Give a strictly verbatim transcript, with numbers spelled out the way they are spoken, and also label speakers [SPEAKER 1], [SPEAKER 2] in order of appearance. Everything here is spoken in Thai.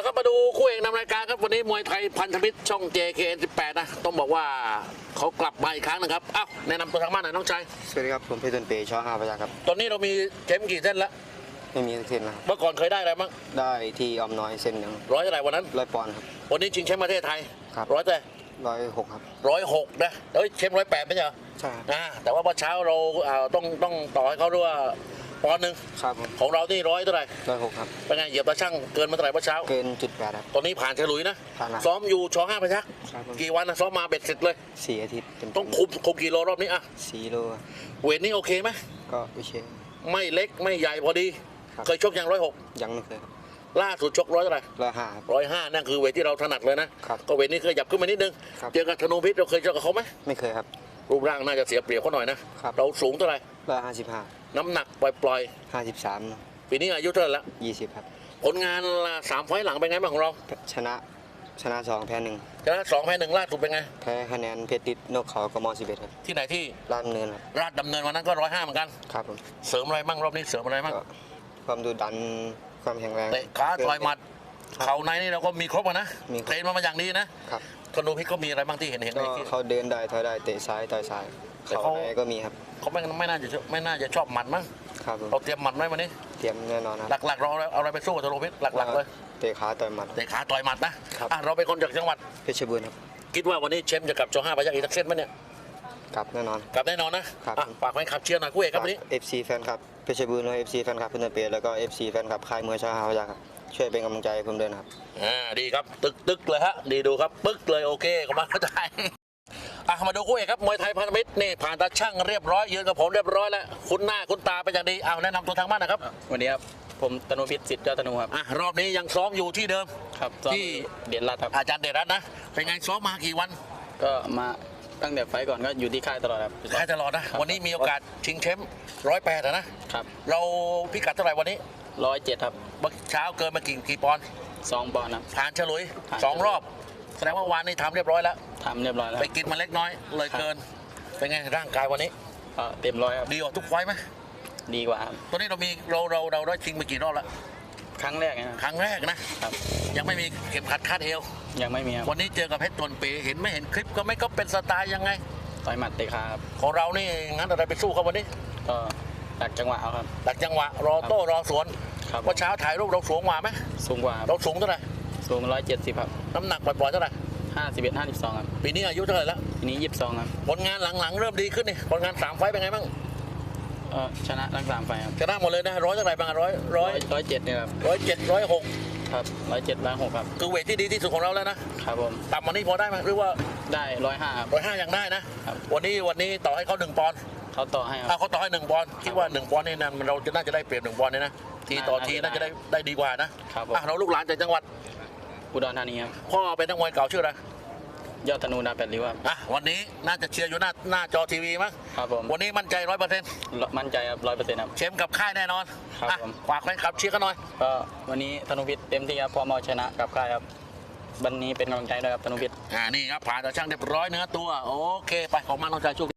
[SPEAKER 1] ครับมาดูคู่เอกนำรายการครับวันนี้มวยไทยพันธมิตรช่อง เจ เค เอ็น สิบแปด นะต้องบอกว่าเขากลับมาอีกครั้งนะครับอ้าวแนะนำตัวทางบ้านหน่อยน้องชาย
[SPEAKER 2] สวัสดีครับผมเพชรต้นเปย์ชอห้าพยัคฆ์ครับ
[SPEAKER 1] ตอนนี้เรามีเข็มกี่เส้นแล้ว
[SPEAKER 2] ไม่มีเส้นนะครับ
[SPEAKER 1] เมื่อก่อนเคยได้อะไรบ้าง
[SPEAKER 2] ได้ที่ออมน้อยเส้นหนึ่ง
[SPEAKER 1] ร้อยเท่าไหร่วันนั้น
[SPEAKER 2] ร้อยปอนด์ครับ
[SPEAKER 1] วันนี้ชิงแชมป์ประเทศไทย
[SPEAKER 2] ครับ
[SPEAKER 1] ร้อยเท่าไหร่
[SPEAKER 2] ร้อยหกครับ
[SPEAKER 1] ร้อยหกนะเอ้ยแชมป์ร้อยแปดไม่ใช่เหรอ
[SPEAKER 2] ใช่
[SPEAKER 1] อ่าแต่ว่าเมื่อเช้าเราอ่าต้องต้องต่อให้เขาด้วยว่าปอนด์หนึ่ง
[SPEAKER 2] ครับผม
[SPEAKER 1] ของเรานี่ร้อยเท่าไหร่
[SPEAKER 2] ร้อยหกครับ
[SPEAKER 1] เป็นไงเหยียบตาช่างเกินมาเท่าไหร่เมื่อเช้า
[SPEAKER 2] เกินจุดแปดครับ
[SPEAKER 1] ตอนนี้ผ่านฉลุยนะ
[SPEAKER 2] ผ่านแล้ว
[SPEAKER 1] ซ้อมอยู่ชอห้าพยัคฆ์
[SPEAKER 2] ครับผม
[SPEAKER 1] กี่วันนะซ้อมมาเบ็ดเสร็จเลย
[SPEAKER 2] สี่อาทิตย์เต็ม
[SPEAKER 1] ต้องคุมคุมกิโลรอบนี้อ่ะ
[SPEAKER 2] สี่โล
[SPEAKER 1] เวทนี้โอเคไหม
[SPEAKER 2] ก็โอเค
[SPEAKER 1] ไม่เล็กไม่ใหญ่พอดีเคยชกอย่างร้อยหก
[SPEAKER 2] ยังไม่เคยครับ
[SPEAKER 1] ล่าสุดชกร้อยเท่าไหร่
[SPEAKER 2] ร้อยห้า
[SPEAKER 1] ร้อยห้านั่นคือเวทที่เราถนัดเลยนะครับก็เวทนี้เคยหยับขึ้นมานิดนึงเจอกับธนูพิษเราเคยเจอกับเขาไหม
[SPEAKER 2] ไม่เคยครับ
[SPEAKER 1] รูปร่างน่าจะเสียเปรียบเขาหน่อยนะครับเราสูงเท่าไหร่
[SPEAKER 2] ร้อยห้าสิบห้า
[SPEAKER 1] น้ำหนักปล่อย
[SPEAKER 2] ห้าสิบสาม
[SPEAKER 1] ๆปีนี้อายุเท่าไหร่ละ
[SPEAKER 2] ยี่สิบครับ
[SPEAKER 1] ผลงานสามไฟล์หลังเป็นไงบ้างของเรา
[SPEAKER 2] ชนะชนะสองแพ้หนึ่ง
[SPEAKER 1] ชนะสองแพ้หนึ่งล่าสุดเป็นไง
[SPEAKER 2] แพ้คะแนนเพชรติดนกเขากมสิบเอ็ดครับ
[SPEAKER 1] ที่ไหนที่
[SPEAKER 2] ลาดดำเนินครับ
[SPEAKER 1] ราชดำเนินวันนั้นก็ร้อยห้าเหมือนกัน
[SPEAKER 2] ครับผม
[SPEAKER 1] เสริมอะไรบ้างรอบนี้เสริมอะไรบ้าง
[SPEAKER 2] ความดุดันความแข็งแรง
[SPEAKER 1] เตะขาต่อยหมัดเข่าในนี่เราก็มีครบนะเทรนมามาอย่างดีนะครับธนูพิษก็มีอะไรบ้างที่เห็นเห็นในที่
[SPEAKER 2] เขาเดินได้ถอยได้เตะซ้ายต่อยซ้ายเขาไหนก็มีครับ
[SPEAKER 1] เขาไม่ไม่น่าจะไม่น่าจะชอบหมัดมั้ง
[SPEAKER 2] ครับ
[SPEAKER 1] เราเตรียมหมัดไหมวันนี้
[SPEAKER 2] เตรียมแน่นอนครับ
[SPEAKER 1] หลักๆเราเอาอะไรไปสู้กับธนูพิษหลักๆเลย
[SPEAKER 2] เตะขาต่อยหมัด
[SPEAKER 1] เตะขาต่อยหมัดนะเราเป็นคนจากจังหวัด
[SPEAKER 2] เพชรบูรณ์ครับ
[SPEAKER 1] คิดว่าวันนี้เชมจะกลับชอห้าพยัคฆ์อีกสักเส้นไหมเนี่ย
[SPEAKER 2] กลับแน่นอน
[SPEAKER 1] กลับแน่นอนนะครับฝากไว้ขับเชียร์หน่อยคู่เอกครับวันนี้
[SPEAKER 2] เอฟ ซี แฟนคลับเพชรบูรณ์และ เอฟ ซี แฟนคลับเพื่อนเปียแล้วก็ เอฟ ซี แฟนคลับค่ายมวยชอห้าพยัคฆ์ครับช่วยเป็นกำลังใจให้ผมด้วยนะครับ
[SPEAKER 1] อ่าดีครับตึกตึกเลยฮะดีดูครับปึ๊กเลยโอเคขอบคุณเข้าใจอ่ะมาดูคู่เอกครับมวยไทยพันธมิตรนี่ผ่านตาช่างเรียบร้อยยืนกับผมเรียบร้อยแล้วคุ้นหน้าคุ้นตาเป็นอย่างดีเอาแนะนำตัวทางบ้านนะครับ
[SPEAKER 3] วันนี้ครับผมตนุพิษสิทธิ์เจ้าธนูครับ
[SPEAKER 1] อ่ะรอบนี้ยังซ้อมอยู่ที่เดิม
[SPEAKER 3] ครับที่เด่นรัตน์ครับ
[SPEAKER 1] อาจารย์เดชรัตน์นะเป็นไงซ้อมมากี่วัน
[SPEAKER 3] ก็มาตั้งแต่ไฟก่อนก็อยู่ที่ค่ายตลอดครับ
[SPEAKER 1] ค่ายตลอดนะวันนี้มีโอกาสชิงแชมป์ร้อยแปดนะครับเราพิกัดเท่าไหร่วันนี้
[SPEAKER 3] ร้อยเจ็ดครับ
[SPEAKER 1] เมื่อเช้าเกินมากี่กี่ปอนด์
[SPEAKER 3] สองปอนด์ครับ
[SPEAKER 1] ผ่านฉลุยสองรอบแสดงว่าวันนี้ทำเรียบร้อยแล้ว
[SPEAKER 3] ทำเรียบร้อยแล้ว
[SPEAKER 1] ไปกินมาเล็กน้อยเลยเกินเป็นไงร่างกายวันนี้
[SPEAKER 3] เต็มร้อยครับ
[SPEAKER 1] ดีกว่าทุกไฟไหม
[SPEAKER 3] ดีกว่าครับ
[SPEAKER 1] ตัวนี้เรามีเราเราเราได้ชิงมากี่รอบแล้ว
[SPEAKER 3] ครั้งแรกนะ
[SPEAKER 1] ครั้งแรกนะครับยังไม่มีเข็มขัดคาดเอว
[SPEAKER 3] ยังไม่มีครับ
[SPEAKER 1] วันนี้เจอกับเพชรตวนเปเห็นไม่เห็นคลิปก็ไม่ก็เป็นสไตล์ยังไง
[SPEAKER 3] ต่อยหมัดเตะขาครับ
[SPEAKER 1] ของเรานี่งั้นอะไรไปสู้เขาวันนี้
[SPEAKER 3] ก็ดักจังหวะครับ
[SPEAKER 1] ดักจังหวะรอโต้รอสวน
[SPEAKER 3] ครับ
[SPEAKER 1] ว่าเช้าถ่ายรูปเราสูงกว่าไหม
[SPEAKER 3] สูงกว่า
[SPEAKER 1] เราสูงเท่าไหร่
[SPEAKER 3] สูงร้อยเจ็ดสิบครับ
[SPEAKER 1] น้ำหนักปล่อยๆเท่าไหร่
[SPEAKER 3] ห้าสิบเอ็ดห้าสิบสองครับ
[SPEAKER 1] ปีนี้อายุเท่าไหร่แล้ว
[SPEAKER 3] ปีนี้ยี่สิบสองครับ
[SPEAKER 1] ผลงานหลังๆเริ่มดีขึ้นนี่ผลงานสามไฟเป็นไงบ้าง
[SPEAKER 3] ชนะทั้งสามไฟครับ
[SPEAKER 1] ชนะหมดเลยนะร้อยเท่าไหร่บ้างร้อยร้อย
[SPEAKER 3] ร้อยเจ็ดเนี่ยครับ
[SPEAKER 1] ร้อยเจ็ดร้อยหก
[SPEAKER 3] ครับร้อยเจ็ดร้อยหกครับ
[SPEAKER 1] คือเวทที่ดีที่สุดของเราแล้วนะครับ
[SPEAKER 3] ผม
[SPEAKER 1] ต่ำวันนี้พอได้ไหมหรือว่า
[SPEAKER 3] ได้ร้อยห้าครับ
[SPEAKER 1] ร้อยห้ายังได้นะวันนี้วันนี้ต่อให้เขาหนึ่งปอนด์
[SPEAKER 3] เขาต่อให้
[SPEAKER 1] เขาต่อให้หนึ่งปอนด์คิดว่าหนึ่งปอนด์นี่นะเราจะน่าจะได้เปรียบหนึ่งปอนด์นี่นะทีต่อทีน่าจะได้ได้ดีกว่านะครับเราลูกหลานจากจังหวัด
[SPEAKER 3] อุดรธานีครับ
[SPEAKER 1] พ่อเป็นนักมวยเก่าชื่ออะไร
[SPEAKER 3] ยอดธนูดาวแปดริ้วครับ
[SPEAKER 1] อ่ะวันนี้น่าจะเชียร์อยู่หน้าหน้าจอทีวีมั้ง
[SPEAKER 3] ครับผม
[SPEAKER 1] วันนี้มั่นใจร้อยเปอร์เซ็นต์
[SPEAKER 3] มั่นใจครับร้อยเปอร์เซ็นต์ครับ
[SPEAKER 1] เชมกับค่ายแน่นอน
[SPEAKER 3] ครับผม
[SPEAKER 1] ฝากแฟนคลับเชียร์กันหน่อย
[SPEAKER 3] ก็วันนี้ธนูพิษเต็มที่ครับพร้อมเอาชนะกับค่ายครับวันนี้เป็นกำลังใจด้วยครับธนูพิษ
[SPEAKER 1] อ่านี่ครับผ่านต่อช่างเรียบร้อยเนื้อตัวโอเคไปของมันน้องชายชุก